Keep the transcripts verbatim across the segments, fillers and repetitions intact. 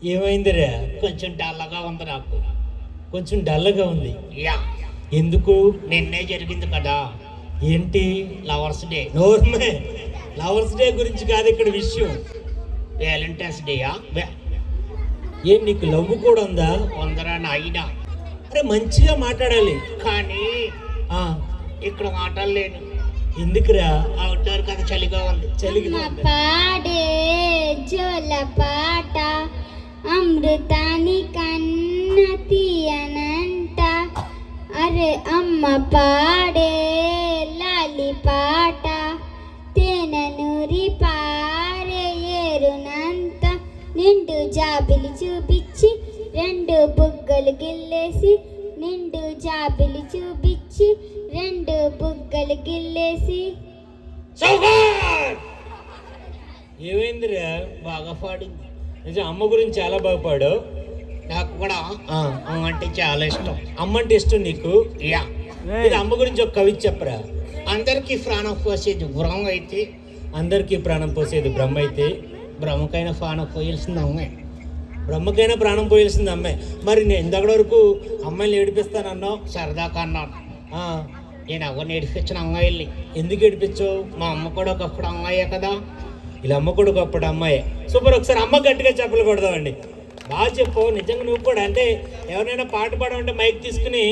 ఏమైందిరా? కొంచెం డల్లగా ఉంది నాకు. కొంచెం డల్గా ఉంది. యా, ఎందుకు? నిన్నే జరిగింది కదా ఏంటి? Lovers day. నోర్మే, లవర్స్ డే గురించి కాదు ఇక్కడ విషయం. వ్యాలంటైన్స్ డేయా? ఏం నీకు లవ్ కూడా ఉందా? ఉందరా నాయన. అరే మంచిగా మాట్లాడాలి. కానీ ఆ ఇక్కడ మాట్లాడలేను. ఎందుకురా? అవుట్డోర్ కదా, చలిగా ఉంది. చలిగా అమ్మ పాడే జోల పాట అమృతాని కన్న తీయనంట. అరే అమ్మ పాడే లాలి పాట తేనె నూరి పారే ఏరునంత. నిండు జాబిలి చూపించి రెండు బుగ్గలు గిల్లేసి, నిండు జాబిలి చూపించి రెండు బుగ్గలు గిల్లేసి. ఏమైందిరా? బాగా పాడింది. నిజం అమ్మ గురించి చాలా బాగా పాడావు. నాకు కూడా ఆ, అమ్మ అంటే చాలా ఇష్టం. అమ్మ అంటే ఇష్టం నీకు? యా, ఇది అమ్మ గురించి ఒక కవిత చెప్పరా. అందరికీ ప్రాణం పోసేది బ్రహ్మ అయితే, అందరికీ ప్రాణం పోసేది బ్రహ్మ అయితే, బ్రహ్మకైనా ప్రాణం పోయాల్సింది అమ్మే. బ్రహ్మకైనా ప్రాణం పోయాల్సింది అమ్మాయి. మరి నేను ఇంతకడ వరకు అమ్మాయిని ఏడిపిస్తానన్నావు. సరదా కన్నాను. ఆ, నేను ఎవరిని ఏడిపించిన అమ్మాయిల్ని. ఎందుకు ఏడిపించావు? మా అమ్మ కూడా ఒకప్పుడు అమ్మాయే కదా. ఇలా అమ్మ కూడా ఒకప్పుడు అమ్మాయి. సూపర్. ఒకసారి అమ్మ గట్టిగా చెప్పలు కొడదామండి. బాగా చెప్పు. నిజంగా నువ్వు కూడా అంటే ఎవరైనా పాట పాడమంటే మైక్ తీసుకుని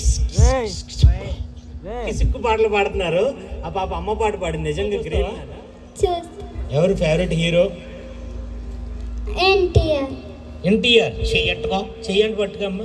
కిసుక్కు పాటలు పాడుతున్నారు. ఆ పాప అమ్మ పాట పాడింది. నిజంగా గ్రేట్. చూస్ ఎవరు ఫేవరెట్ హీరో? ఎన్టీఆర్. ఎన్టీఆర్. చెయ్యట్టుకో. చెయ్యండి పట్టుకమ్మ.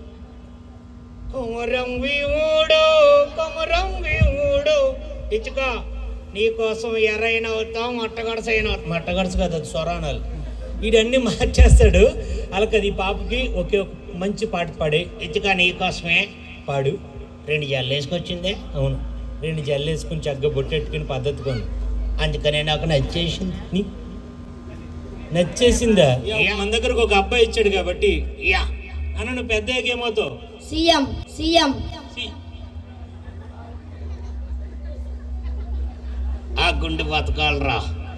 కొమరం వీవుడు కొమరం వీవుడు ఇచ్చుకో, నీకోసం ఎర్రైన అవుతాం, మట్టగడసైన అవుతాం. మట్టగడుచు కదా, అది స్వరాణాలు. వీడన్నీ మార్చేస్తాడు. అలాగే ఈ పాపకి ఒకే ఒక మంచి పాట పాడే. ఇచ్చుకో, నీకోసమే పాడు. రెండు జల్లు వేసుకొచ్చిందే. అవును, రెండు జల్లేసుకుని చక్కగా బొట్టెట్టుకుని పద్ధతి కొంది. అందుకనే నాకు నచ్చేసింది. నీ నచ్చేసిందా? మన దగ్గరకు ఒక అబ్బాయి ఇచ్చాడు కాబట్టి. యా, అన్న నువ్వు పెద్ద ఏమవుతావు? సీఎం. సీఎం. ఆ గుండె బతకాలరా,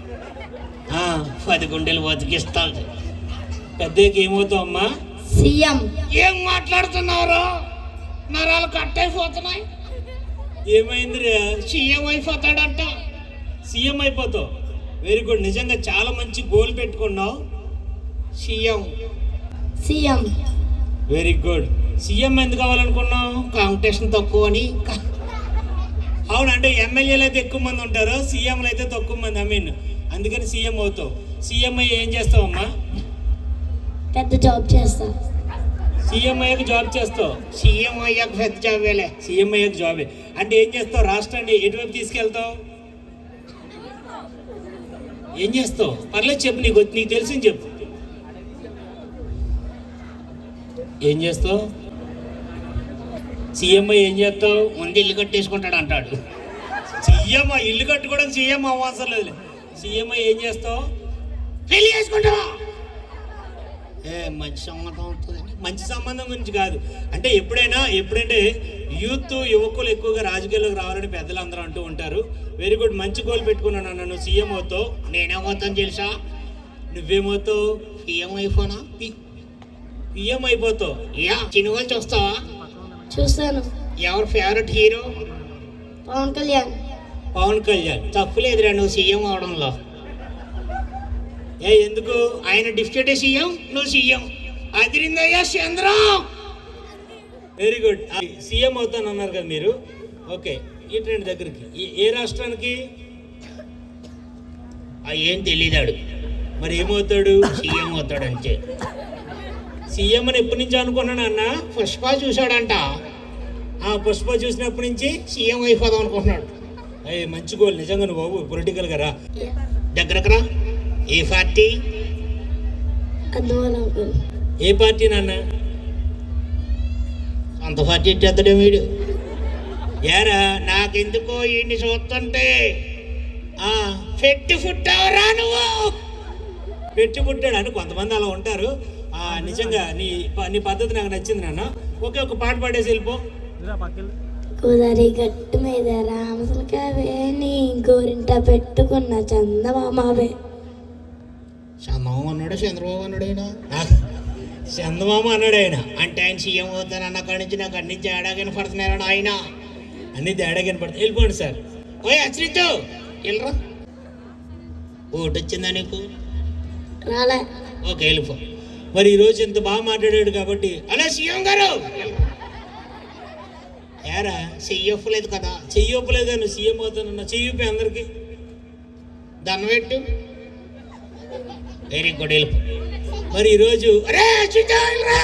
పది గుండెలు బతికిస్తాను. పెద్దకి ఏమవుతావు అమ్మా? సీఎం. ఏం మాట్లాడుతున్నావురా? నరాలు కట్ అయిపోతున్నాయి. ఏమైందిరా? సీఎం అయిపోతాడంట. సీఎం అయిపోతావు. Very good. నిజంగా చాలా మంచి గోల్ పెట్టుకున్నావు. CM. CM. Very good. CM ఎందుకు కావాలనుకున్నావు? కాంపిటీషన్ తక్కువ అని. అవును, అంటే ఎమ్మెల్యేలు అయితే ఎక్కువ మంది ఉంటారు, సీఎంలు అయితే తక్కువ మంది. ఐ మీన్ అందుకని సీఎం అవుతావు. సీఎం అయ్యి ఏం చేస్తావు అమ్మా? పెద్ద జాబ్ చేస్తా. సీఎం అయ్యాక జాబ్ చేస్తావు. సీఎం అయ్యాక పెద్ద జాబేలే. సీఎం అయ్యాక జాబే అంటే ఏం చేస్తావు? రాష్ట్రాన్ని ఎటువైపు తీసుకెళ్తావు? ఏం చేస్తావు? పర్లేదు చెప్పు, నీకు నీకు తెలిసింది చెప్పు. ఏం చేస్తావు? సీఎం అయ్యి ఏం చేస్తావు? ముందు ఇల్లు కట్టేసుకుంటాడు అంటాడు. సీఎం ఇల్లు కట్టుకోవడం సీఎం అవసరం లేదు. సీఎం అయ్యి ఏం చేస్తావు? పెళ్లి చేసుకుంటావా? ఏ మంచి సంబంధం అవుతుంది. మంచి సంబంధం గురించి కాదు, అంటే ఎప్పుడైనా ఎప్పుడంటే యూత్ యువకులు ఎక్కువగా రాజకీయాల్లోకి రావాలని పెద్దలు అందరూ అంటూ ఉంటారు. వెరీ గుడ్, మంచి గోల్ పెట్టుకున్నాను. నన్ను సీఎం అవుతావు. నేనేమవుతాను తెలుసా? నువ్వేమవుతావు? సీఎం అయిపోనా? పిఎం అయిపోతావు. యా, సినిమాలు చూస్తావా? చూస్తాను. ఎవరు ఫేవరెట్ హీరో? పవన్ కళ్యాణ్. పవన్ కళ్యాణ్. తప్పులేదురా నువ్వు సీఎం అవడంలో. ఏ ఎందుకు? ఆయన డిప్యూటీ సీఎం, నువ్వు సీఎం. అదిరిందయ్యా చంద్రం. Very good. సీఎం అవుతాను అన్నారు కదా మీరు. ఓకే, ఈ ట్రెండ్ దగ్గరికి ఏ- ఏ రాష్ట్రానికి? ఆ ఏం తెలియదాడు. మరి ఏమవుతాడు? సీఎం అవుతాడు అంతే. సీఎం అని ఎప్పటి నుంచి అనుకున్నాను అన్న? పుష్ప చూశాడంట, ఆ పుష్ప చూసినప్పటి నుంచి సీఎం అయిపోదాం అనుకుంటున్నాడు. అయ్యి మంచి గోల్ నిజంగా. నువ్వు బాబు పొలిటికల్ గా రా. దగ్గరకు రా. ఏ పార్టీ? అందువల్ల అంకుల్. ఏ పార్టీ నాన్న? అంత పార్టీ ఎత్తడం వీడు. యారా? నాకెందుకో ఈయన్ని చూస్తుంటే ఆ పెట్టి పుట్టావరా నువ్వు. పెట్టి పుట్టాడు అని కొంతమంది అలా ఉంటారు. ఆ నిజంగా నీ ప- నీ పద్ధతి నాకు నచ్చింది నాన్న. ఓకే, ఒక పాట పాడేసి వెళ్ళిపో. కుదరి గట్టు మీద రామసలకావే నీ గోరింట పెట్టుకున్న చందమామావే. చందమామ అన్నాడు చంద్రబాబు అన్నాడు ఆయన చందమామ అన్నాడు ఆయన. అంటే ఆయన సీఎం అవుతాను అన్న కాడి నుంచి నాకు అన్ని తేడా కనపడుతున్నాడు ఆయన. అన్ని తేడా కనపడుతుంది. వెళ్ళిపోండి సార్. ఓయ్ అశ్రిత్ వెళ్ళరా, ఓటు వచ్చిందా నీకు? రాలే. ఓకే వెళ్ళిపో. మరి ఈరోజు ఇంత బాగా మాట్లాడాడు కాబట్టి అలా సీఎం గారు ఏరా చెయ్యొప్పు లేదు కదా, చెయ్యొప్పలేదా? నువ్వు సీఎం అవుతానన్నా చెయ్యొప్పి అందరికి దండం పెట్టు. వెరీ గుడ్ వెళ్ళిపో. మరి ఈరోజు అరే అశ్రిత్ వెళ్ళరా,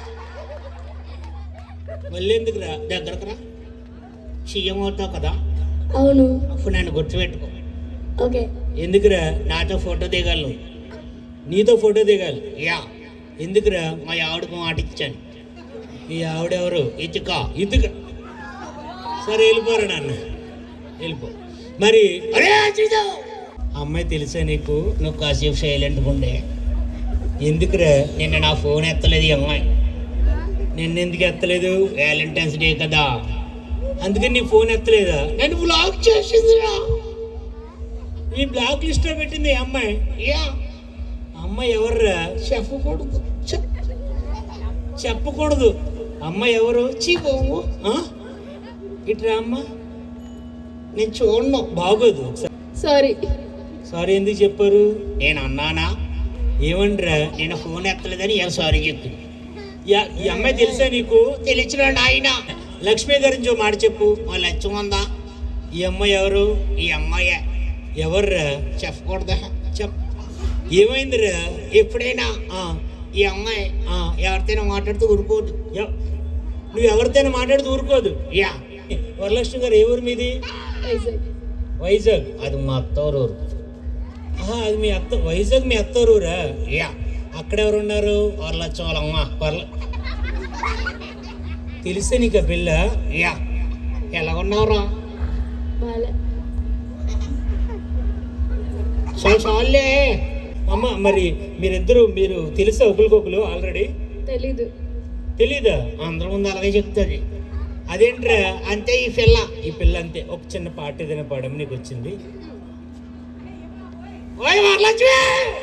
మళ్ళీ ఎందుకు రా? దగ్గరకు రా. సీఎం అవుతావు కదా, అవును. అప్పుడు నన్ను గుర్తుపెట్టుకో. ఓకే. ఎందుకురా? నాతో ఫోటో దిగాలి. నీతో ఫోటో దిగాలి. యా, ఎందుకురా? మా ఆవిడకు మాట ఇచ్చాను. ఈ ఆవిడెవరు? ఇటుక ఇతుక. సరే వెళ్ళిపోరా నాన్న, వెళ్ళిపో. మరి అరే అశ్రిత్ అమ్మాయి తెలుసా నీకు? నువ్వు కాసేపు సైలెంట్గా ఉండే. ఎందుకురా? నిన్న నా ఫోన్ ఎత్తలేదు ఈ అమ్మాయి. నిన్నెందుకు ఎత్తలేదు? వ్యాలంటైన్స్ డే కదా, అందుకని నీ ఫోన్ ఎత్తలేదా? నన్ను బ్లాక్ చేసిందిరా. ఈ బ్లాక్ లిస్ట్ లో పెట్టింది ఈ అమ్మాయి. యా, అమ్మాయి ఎవర్రా? చెప్పకూడదు. చెప్ చెప్పకూడదు. అమ్మాయి ఎవరు? చీ బాబు, ఆ? ఇట్రా అమ్మ. నేను చూడను. బాగోదు. ఒకసారి సారీ. సారీ ఎందుకు చెప్పారు? నేను అన్నానా? ఏమండ్రా? నేను ఫోన్ ఎత్తలేదని ఏం సారీ చెప్పి. యా- ఈ అమ్మాయి తెలుసా నీకు? తెలిసిన ఆయన లక్ష్మి గురించి ఓ మాట చెప్పు. మా లక్ష్యం ఉందా? ఈ అమ్మాయి ఎవరు? ఈ అమ్మాయే. ఎవర్రా? చెప్పకూడదా? చెప్. ఏమైందిరా? ఎప్పుడైనా ఆ, ఈ అమ్మాయి ఆ, ఎవరితోనో మాట్లాడుతూ ఊరుకోదు. ఎవ్- నువ్వు ఎవరితోనే మాట్లాడుతూ ఊరుకోదు. యా, వరలక్ష్మి గారు ఏ ఊరు మీది? వైజాగ్. అది మా అత్తోరు. ఆహా, అది మీ అత్త. వైజాగ్ మీ అత్తూరురా? యా, అక్కడ ఎవరు ఉన్నారు? వాళ్ళ లక్ష్యం వాళ్ళ అమ్మ. వర్ల తెలిసే నీకు ఆ పిల్ల? యా, ఎలా ఉన్నావురా? బాలే. చాలు చాలులే. అమ్మ, మరి మీరిద్దరు మీరు తెలుసా ఒకరికొకరు ఆల్రెడీ? తెలీదు. తెలీదా? అందరి ముందు అలాగే చెప్తుంది. అదేంట్రా? అంతే ఈ పిల్ల. ఈ పిల్ల అంతే. ఒక చిన్న పాట ఏదైనా పాడడం నీకు వచ్చింది. ఓయ్ వరలక్ష్మి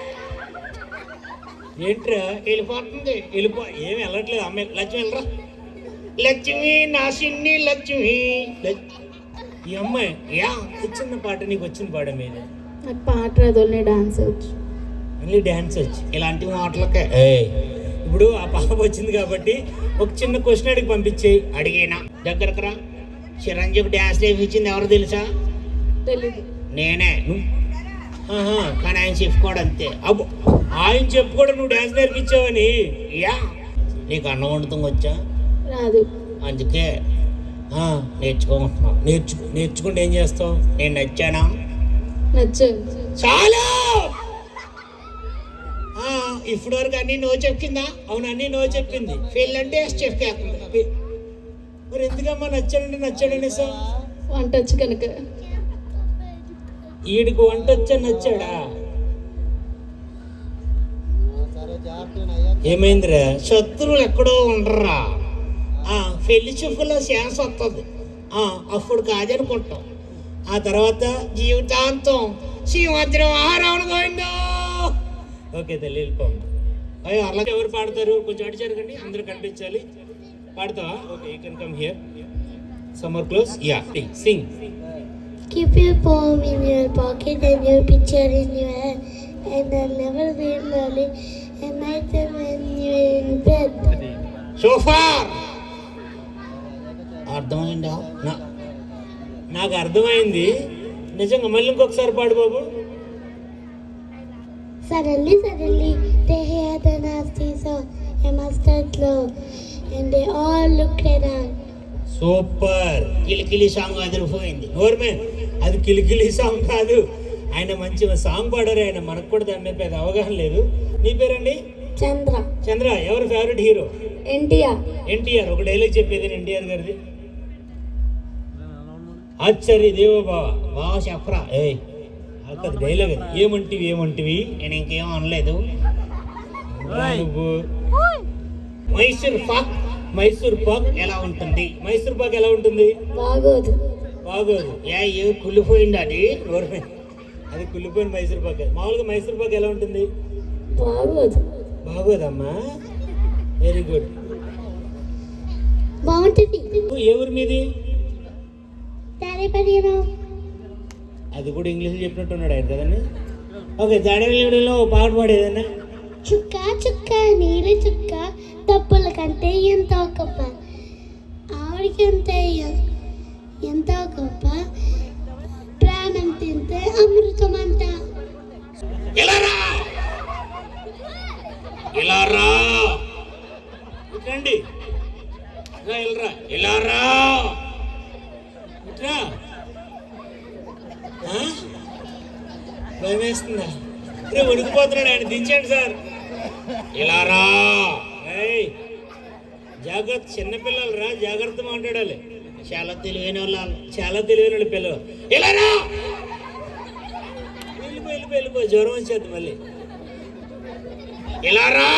ఏంట్రా? వెళ్ళిపోతుంది. వెళ్ళిపో. ఏమి వెళ్ళట్లేదు అమ్మాయి. లక్ష్మి వెళ్ళరా. లక్ష్మి నా సిన్ని లక్ష్మి. ఈ అమ్మాయి యా, ఈ చిన్న పాట నీకు వచ్చింది పాడడం మీద. నాకు పాట రాదు, డాన్స్ వచ్చు. మళ్ళీ డ్యాన్స్ వచ్చి. ఇలాంటి మాటలకే ఏయ్, ఇప్పుడు ఆ పాప వచ్చింది కాబట్టి ఒక చిన్న క్వశ్చన్ అడిగి పంపించేయి. అడిగినా. దగ్గరకు రా. చిరంజీవి డ్యాన్స్ నేర్పించింది ఎవరు తెలుసా? తెలీదు. నేనే. ఆహా, కానీ ఆయన చెప్పుకోడు అంతే. అబ్బో, ఆయన చెప్పుకోవడం నువ్వు డ్యాన్స్ నేర్పించావని. యా, నీకు అన్నం వండుతాం వచ్చా? రాదు. అందుకే ఆ, నేర్చుకోమంటున్నావు. నేర్చుకో. నేర్చుకుంటే ఏం చేస్తావు? నేను నచ్చానా? నచ్చు. చాలు. ఆ, ఇప్పుడు వరకు అన్ని నువ్వు చెప్పిందా? అవును, అన్నీ నో చెప్పింది. ఫెయిల్ అంటే చెప్పేస్తుంది. మరి ఎందుకమ్మా నచ్చాడంటే నచ్చాడనే సార్? వంట వచ్చు కనుక. ఈడికి వంట వచ్చా నచ్చాడా? ఏమైందిరా? శత్రువులు ఎక్కడో ఉండరా. ఆ పెళ్లి చూపులో ఛాన్స్ వస్తుంది. ఆ, అప్పుడు కాదనుకుంటాం. ఆ తర్వాత జీవితాంతం శ్రీమద్రం ఆహారం గోవిందో. ఓకే తల్లి, వెళ్ళిపోమ్మ. అయ్యో, అలా ఎవరు పాడతారు? కొంచెం అటు జరగండి, అందరూ కనిపించాలి. పాడతావా? Okay, you can come here. Summer close. Yeah, sing. Keep your palm in your pocket and your picture in your hand, and I'll never be lonely at night time when you're in bed. Super. అర్థమైందా? నా నాకు అర్థమైంది నిజంగా. మళ్ళీ ఇంకొకసారి పాడు బాబు. Suddenly, suddenly, they hear the nasty song, a mustard glow, and they all looked around. Super. కిలికిలి సాంగ్ అదిరిపోయింది. నోర్మే, అది కిలికిలి సాంగ్ కాదు. ఆయన మంచి సాంగ్ పాడారు. ఆయన మనకు కూడా దాని మీద పెద్ద అవగాహన లేదు. నీ పేరండి? చంద్ర. చంద్ర. ఎవరు ఫేవరెట్ హీరో? ఎన్టీఆర్. ఎన్టీఆర్. ఒక డైలాగ్ చెప్పేది ఎన్టీఆర్ గారిది. ఆశ్చర్య దేవో బావ. బాగా చెప్పరా. ఏయ్, అక్కడ డైలాగ్ అది. ఏమంటివి ఏమంటివి? నేను ఇంకేం అనలేదు. నువ్వు మైసూర్ పాక్ మైసూర్ పాక్ ఎలా ఉంటుంది? మైసూర్ పాక్ ఎలా ఉంటుంది? బాగోదు. బాగోదు. ఏ ఏ కుళ్ళిపోయింది అది. నోర్మే, అది కుళ్ళిపోయిన మైసూర్ పాక్. మామూలుగా మైసూర్ పాక్ ఎలా ఉంటుంది? బాగోదు. బాగోదమ్మా, వెరీ గుడ్. బాగుంటుంది. ఏ ఊరు మీది? తాడేపల్లిలో. అది కూడా ఇంగ్లీష్ చెప్పినట్టున్నాడు ఆయన కదండి. ఓకే, దాడేపల్లిలో పాట పాడేదన్నా. చుక్క చుక్క నీరు చుక్క తప్పుల కంటే ఎంతో గొప్ప, ఆవిడకంటే ఎంతో గొప్ప, ప్రాణం తింటే అమృతం అంట. ఇలా రా, ఇలా రా, రండి, ఇలా ఇలా రా, ఇట్రా. భయం వేస్తుందా? రే ఉడికిపోతున్నాడు ఆయన, దించండి సార్. ఇలా రా. ఏయ్ జాగ్రత్త, చిన్నపిల్లలు రా, జాగ్రత్త మాట్లాడాలి. చాలా తెలివైన వాళ్ళు. చాలా తెలివైన వాళ్ళు పిల్లలు. ఇలా రా, వెళ్ళిపో వెళ్ళిపో వెళ్ళిపో, జ్వరం వచ్చేది మళ్ళీ. ఇలా రా.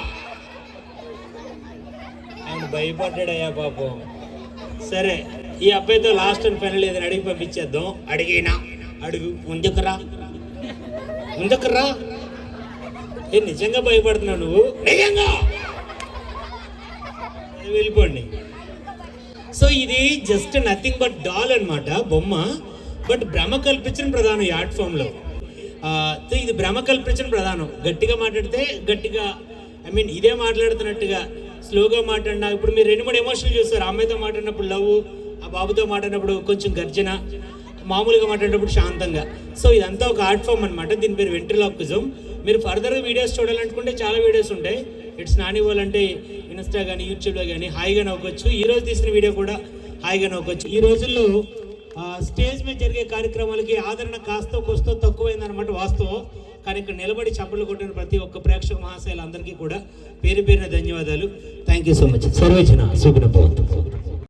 ఆయన భయపడ్డాడయ్యా పాపం. సరే, ఈ అబ్బాయితో లాస్ట్ అండ్ ఫైనల్ ఏదైనా అడిగి పంపించేద్దాం. అడిగినా అడుగు. ముందుకురా, ముందుకురా. ఏ నిజంగా భయపడుతున్నావు నువ్వు? నిజంగా వెళ్ళిపోండి. సో ఇది జస్ట్ నథింగ్ బట్ డాల్ అన్నమాట, బొమ్మ. బట్ భ్రమ కల్పించిన ప్రధానం ఈ ఆర్ట్ ఫామ్లో. సో ఇది భ్రమ కల్పించిన ప్రధానం. గట్టిగా మాట్లాడితే గట్టిగా, ఐ మీన్ ఇదే మాట్లాడుతున్నట్టుగా స్లోగా మాట్లాడినా. ఇప్పుడు మీరు రెండు మూడు ఎమోషన్లు చూస్తారు. అమ్మాయితో మాట్లాడినప్పుడు లవ్, ఆ బాబుతో మాట్లాడినప్పుడు కొంచెం గర్జన, మామూలుగా మాట్లాడినప్పుడు శాంతంగా. సో ఇదంతా ఒక ఆర్ట్ ఫామ్ అనమాట. దీని పేరు వెంట్రిలాక్విజం. మీరు ఫర్దర్గా వీడియోస్ చూడాలనుకుంటే చాలా వీడియోస్ ఉంటాయి. ఇట్స్ నాని వాళ్ళంటే ఇన్స్టా కానీ యూట్యూబ్లో కానీ హాయిగా నవ్వుకోవచ్చు. ఈ రోజు తీసిన వీడియో కూడా హాయిగా నవ్వుకోవచ్చు. ఈ రోజుల్లో స్టేజ్ మీద జరిగే కార్యక్రమాలకి ఆదరణ కాస్తో కోస్తో తక్కువైందనమాట వాస్తవం. కానీ ఇక్కడ నిలబడి చప్పట్లు కొట్టిన ప్రతి ఒక్క ప్రేక్షక మహాశయులందరికీ కూడా పేరు పేరున ధన్యవాదాలు. Thank you so much. సర్వేచన సుగుణ భవంతు.